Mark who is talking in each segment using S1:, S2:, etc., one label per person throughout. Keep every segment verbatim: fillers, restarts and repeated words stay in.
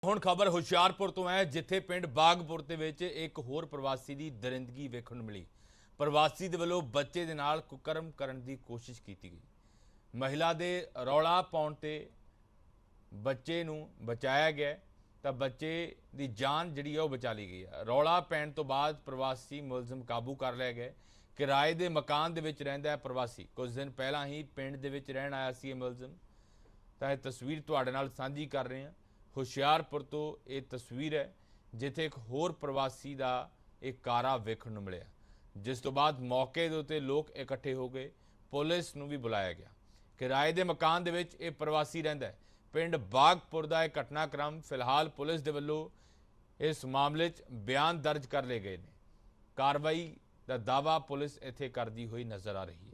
S1: ਹੁਣ ਖਬਰ ਹੁਸ਼ਿਆਰਪੁਰ ਤੋਂ ਹੈ, ਜਿੱਥੇ ਪਿੰਡ ਬਾਗਪੁਰ ਦੇ ਵਿੱਚ ਇੱਕ ਹੋਰ ਪ੍ਰਵਾਸੀ ਦੀ ਦਰਿੰਦਗੀ ਵੇਖਣ ਨੂੰ ਮਿਲੀ। ਪ੍ਰਵਾਸੀ ਦੇ ਵੱਲੋਂ ਬੱਚੇ ਦੇ ਨਾਲ ਕੁਕਰਮ ਕਰਨ ਦੀ ਕੋਸ਼ਿਸ਼ ਕੀਤੀ ਗਈ। ਮਹਿਲਾ ਦੇ ਰੌਲਾ ਪਾਉਣ ਤੇ ਬੱਚੇ ਨੂੰ ਬਚਾਇਆ ਗਿਆ ਤਾਂ ਬੱਚੇ ਦੀ ਜਾਨ ਜਿਹੜੀ ਹੈ ਉਹ ਬਚਾ ਲਈ ਗਈ ਹੈ। ਰੌਲਾ ਪੈਣ ਤੋਂ ਬਾਅਦ ਪ੍ਰਵਾਸੀ ਮੁਲਜ਼ਮ ਕਾਬੂ ਕਰ ਲਿਆ ਗਿਆ। ਕਿਰਾਏ ਦੇ ਮਕਾਨ ਦੇ ਵਿੱਚ ਰਹਿੰਦਾ ਹੈ ਪ੍ਰਵਾਸੀ। ਕੁਝ ਦਿਨ ਪਹਿਲਾਂ ਹੀ ਪਿੰਡ ਦੇ ਵਿੱਚ ਰਹਿਣ ਆਇਆ ਸੀ ਇਹ ਮੁਲਜ਼ਮ। ਤਾਂ ਇਹ ਤਸਵੀਰ ਤੁਹਾਡੇ ਨਾਲ ਸਾਂਝੀ ਕਰ ਰਹੇ ਹਾਂ। ਹੁਸ਼ਿਆਰਪੁਰ ਤੋਂ ਇਹ ਤਸਵੀਰ ਹੈ, ਜਿੱਥੇ ਇੱਕ ਹੋਰ ਪ੍ਰਵਾਸੀ ਦਾ ਇੱਕ ਕਾਰਾ ਵੇਖਣ ਨੂੰ ਮਿਲਿਆ, ਜਿਸ ਤੋਂ ਬਾਅਦ ਮੌਕੇ ਦੇ ਉੱਤੇ ਲੋਕ ਇਕੱਠੇ ਹੋ ਗਏ। ਪੁਲਿਸ ਨੂੰ ਵੀ ਬੁਲਾਇਆ ਗਿਆ। ਕਿਰਾਏ ਦੇ ਮਕਾਨ ਦੇ ਵਿੱਚ ਇਹ ਪ੍ਰਵਾਸੀ ਰਹਿੰਦਾ ਹੈ। ਪਿੰਡ ਬਾਗਪੁਰ ਦਾ ਇਹ ਘਟਨਾਕ੍ਰਮ ਫਿਲਹਾਲ ਪੁਲਿਸ ਦੇ ਵੱਲੋਂ ਇਸ ਮਾਮਲੇ 'ਚ ਬਿਆਨ ਦਰਜ ਕਰ ਲਏ ਗਏ ਨੇ। ਕਾਰਵਾਈ ਦਾ ਦਾਅਵਾ ਪੁਲਿਸ ਇੱਥੇ ਕਰਦੀ ਹੋਈ ਨਜ਼ਰ ਆ ਰਹੀ ਹੈ।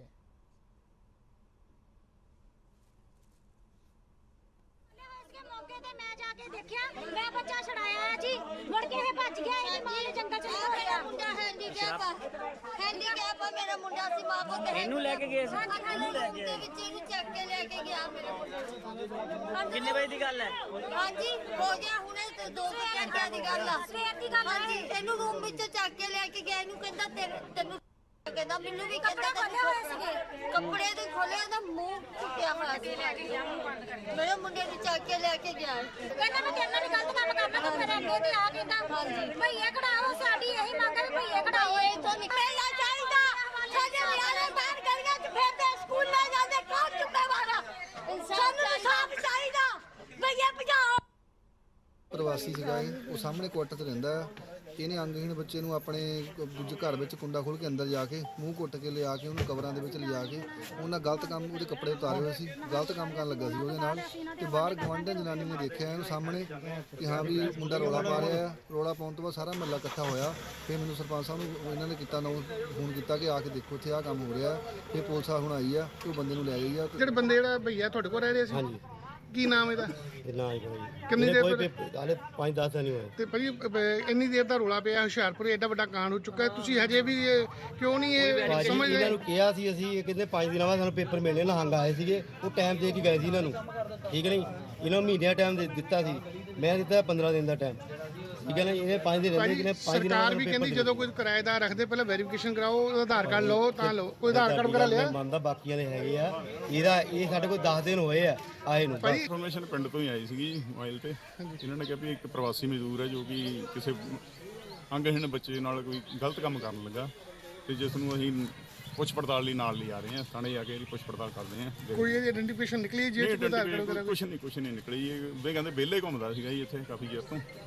S2: देखिया मैं बच्चा छड़ाया जी मुड़ के भज गया इहदी मां ने जंगल च छोड़िया मुंडा हैंडीकैप हैंडीकैप मेरा मुंडा सी मां को
S3: ਇਹਨੂੰ ਲੈ ਕੇ ਗਏ ਸੀ
S2: ਇਹਨੂੰ ਲੈ ਕੇ ਵਿੱਚ ਇਹਨੂੰ ਚੱਕ ਕੇ ਲੈ ਕੇ ਗਿਆ ਮੇਰਾ ਮੁੰਡਾ।
S3: ਕਿੰਨੇ ਵਜੇ ਦੀ ਗੱਲ ਹੈ?
S2: ਹਾਂਜੀ ਹੋ ਗਿਆ ਹੁਣੇ ਤੇ ਦੋ ਘੰਟਿਆਂ ਦੀ ਗੱਲ ਆ। ਸਵੇਰ ਦੀ ਗੱਲ ਹਾਂਜੀ ਇਹਨੂੰ ਰੂਮ ਵਿੱਚ ਚੱਕ ਕੇ ਲੈ ਕੇ ਗਿਆ। ਇਹਨੂੰ ਕਹਿੰਦਾ ਤੈਨੂੰ ਕਹਿੰਦਾ ਮੈਨੂੰ ਵੀ ਕਹਿੰਦਾ ਖੋਲੇ ਹੋਏ ਸੀਗੇ ਕੱਪੜੇ ਦੇ ਖੋਲੇ ਉਹਦਾ ਮੂੰਹ ਟੁੱਟਿਆ ਹੋਇਆ ਸੀ। ਮੇਰੇ ਮੁੰਡੇ ਨੂੰ ਚੱਕ ਕੇ ਲੈ ਕੇ ਗਿਆ। ਕਹਿੰਦਾ ਮੈਂ ਤੇਰੇ ਨਾਲ ਵੀ ਗਲਤ ਕੰਮ ਕਰਨਾ ਤੇ ਮੇਰੇ ਅੱਗੇ ਤੇ ਆ ਕਹਿੰਦਾ ਹਾਂਜੀ ਭਈਏ ਕਢਾਓ। ਸਾਡੀ ਇਹੀ ਮੰਗ ਹੈ ਭਈਏ ਕਢਾਓ। ਇਥੋਂ ਨਿਕਲਣਾ ਚਾਹੀਦਾ। ਸਾਡੇ ਨਿਆਣੇ ਬਾਹਰ ਗਲੀਆਂ 'ਚ ਫਿਰਦੇ ਸਕੂਲ ਨਾ ਜਾਂਦੇ ਕੌਣ ਚੁੱਕੇਵਾਰਾ। ਸਾਨੂੰ ਇਨਸਾਫ ਚਾਹੀਦਾ। ਭਈਏ ਭਜਾਓ।
S4: ਪ੍ਰਵਾਸੀ ਸੀਗਾ ਇਹ, ਉਹ ਸਾਹਮਣੇ ਕੁਆਟਰ 'ਚ ਰਹਿੰਦਾ ਆ। ਇਹਨੇ ਅੰਗਹੀਣ ਬੱਚੇ ਨੂੰ ਆਪਣੇ ਦੂਜੇ ਘਰ ਵਿੱਚ ਕੁੰਡਾ ਖੋਲ੍ਹ ਕੇ ਅੰਦਰ ਜਾ ਕੇ ਮੂੰਹ ਕੁੱਟ ਕੇ ਲਿਆ ਕੇ ਉਹਨੂੰ ਕਬਰਾਂ ਦੇ ਵਿੱਚ ਲਿਜਾ ਕੇ ਉਹਨਾਂ ਗਲਤ ਕੰਮ ਉਹਦੇ ਕੱਪੜੇ ਉਤਾਰੇ ਹੋਏ ਸੀ, ਗਲਤ ਕੰਮ ਕਰਨ ਲੱਗਾ ਸੀ ਉਹਦੇ ਨਾਲ। ਤੇ ਬਾਹਰ ਗੁਆਂਢਣ ਜਨਾਨੀ ਨੇ ਦੇਖਿਆ ਇਹਨੂੰ ਸਾਹਮਣੇ ਕਿ ਹਾਂ ਵੀ ਮੁੰਡਾ ਰੌਲਾ ਪਾ ਰਿਹਾ ਆ। ਰੌਲਾ ਪਾਉਣ ਤੋਂ ਬਾਅਦ ਸਾਰਾ ਮਹੱਲਾ ਇਕੱਠਾ ਹੋਇਆ। ਫਿਰ ਮੈਨੂੰ ਸਰਪੰਚ ਸਾਹਿਬ ਨੂੰ ਇਹਨਾਂ ਨੇ ਕੀਤਾ ਨਾ ਫੋਨ ਕੀਤਾ ਕਿ ਆ ਕੇ ਦੇਖੋ ਇੱਥੇ ਆਹ ਕੰਮ ਹੋ ਰਿਹਾ। ਫਿਰ ਪੁਲਿਸ ਹੁਣ ਆਈ ਆ ਤੇ ਉਹ ਬੰਦੇ ਨੂੰ ਲੈ ਗਈ ਆ।
S5: ਜਿਹੜੇ ਬੰਦੇ ਜਿਹੜਾ ਭਈਆ ਤੁਹਾਡੇ ਕੋਲ ਰਹਿ ਰਹੇ ਸੀ
S6: ਹਾਂਜੀ
S5: ਕੀ ਨਾਮ ਇਹਦਾ?
S6: ਨਾ ਹੀ ਕੋਈ
S5: ਕਿੰਨੀ ਦੇਰ
S6: ਕੋਈ ਹਾਲੇ ਪੰਜ ਦਸ ਦਿਨ ਹੀ ਹੋਏ
S5: ਤੇ ਭਾਜੀ ਅਹ, ਇੰਨੀ ਦੇਰ ਦਾ ਰੋਲਾ ਪਿਆ ਹੁਸ਼ਿਆਰਪੁਰ ਐਡਾ ਵੱਡਾ ਕਾਂਡ ਹੋ ਚੁੱਕਾ ਹੈ, ਤੁਸੀਂ ਹਜੇ ਵੀ ਇਹ ਕਿਉਂ ਨਹੀਂ ਇਹ
S6: ਭਾਜੀ
S5: ਸਮਝ
S6: ਇਹਨਾਂ
S5: ਰਹੇ?
S6: ਨੂੰ ਕਿਹਾ ਸੀ ਅਸੀਂ, ਇਹ ਕਹਿੰਦੇ ਪੰਜ ਦਿਨਾਂ ਬਾਅਦ ਸਾਨੂੰ ਪੇਪਰ ਮਿਲਣੇ। ਨਹੰਗ ਆਏ ਸੀਗੇ, ਉਹ ਟਾਈਮ ਦੇ ਕੇ ਗਏ ਸੀ ਇਹਨਾਂ ਨੂੰ, ਠੀਕ ਨਹੀਂ। ਇਹਨਾਂ ਨੂੰ ਮਹੀਨਿਆਂ ਟਾਈਮ ਦੇ ਦਿੱਤਾ ਸੀ, ਮੈਂ ਦਿੱਤਾ ਪੰਦਰਾਂ ਦਿਨ ਦਾ ਟਾਈਮ, ਠੀਕ ਹੈ ਨਾ। ਇਹਨੇ ਪੰਜ ਦਿਨ ਰਹਿੰਦੇ, ਕਿਨੇ ਪੰਜ ਦਿਨਾਂ
S5: ਸਰਕਾਰ ਵੀ ਕਹਿੰਦੀ ਜਦੋਂ ਕੋਈ ਕਿਰਾਏਦਾਰ ਰੱਖਦੇ ਪਹਿਲਾਂ ਵੈਰੀਫਿਕੇਸ਼ਨ ਕਰਾਓ, ਉਹਦਾ ਆਧਾਰ ਕਾਰਡ ਲਓ ਤਾਂ ਲਓ। ਕੋਈ ਆਧਾਰ ਕਾਰਡ ਵਗੈਰਾ ਲਿਆ?
S6: ਮੰਨਦਾ ਬਾਕੀਆਂ ਦੇ ਹੈਗੇ ਆ। ਇਹਦਾ ਇਹ ਸਾਡੇ ਕੋਲ ਦਸ ਦਿਨ ਹੋਏ ਆ ਆਏ ਨੂੰ।
S7: ਇਨਫੋਰਮੇਸ਼ਨ ਪਿੰਡ ਤੋਂ ਹੀ ਆਈ ਸੀਗੀ ਮੋਬਾਈਲ ਤੇ। ਇਹਨਾਂ ਨੇ ਕਿਹਾ ਵੀ ਇੱਕ ਪ੍ਰਵਾਸੀ ਮਜ਼ਦੂਰ ਹੈ ਜੋ ਕਿ ਕਿਸੇ ਅੰਗਹੀਣ ਬੱਚੇ ਨਾਲ ਕੋਈ ਗਲਤ ਕੰਮ ਕਰਨ ਲੱਗਾ, ਤੇ ਜਿਸ ਨੂੰ ਅਸੀਂ ਪੁੱਛ ਪੜਤਾਲ ਲਈ ਨਾਲ ਲਿਆ ਰਹੇ ਹਾਂ। ਥਾਣੇ ਜਾ ਕੇ ਇਹਦੀ ਪੁੱਛ ਪੜਤਾਲ ਕਰਦੇ ਹਾਂ।
S5: ਕੋਈ ਇਹਦੀ ਆਇਡੈਂਟੀਫਿਕੇਸ਼ਨ ਨਿਕਲੀ ਜੇ ਆਧਾਰ ਕਾਰਡ ਵਗੈਰਾ?
S7: ਕੁਛ ਨਹੀਂ ਕੁਛ ਨਹੀਂ ਨਿਕਲੀ। ਇਹ ਉਹਦੇ ਕਹਿੰਦੇ ਵਿਹਲੇ ਘੁੰਮਦਾ ਸੀਗਾ ਜੀ ਇੱਥੇ ਕਾਫੀ ਚਿਰ ਤੋਂ।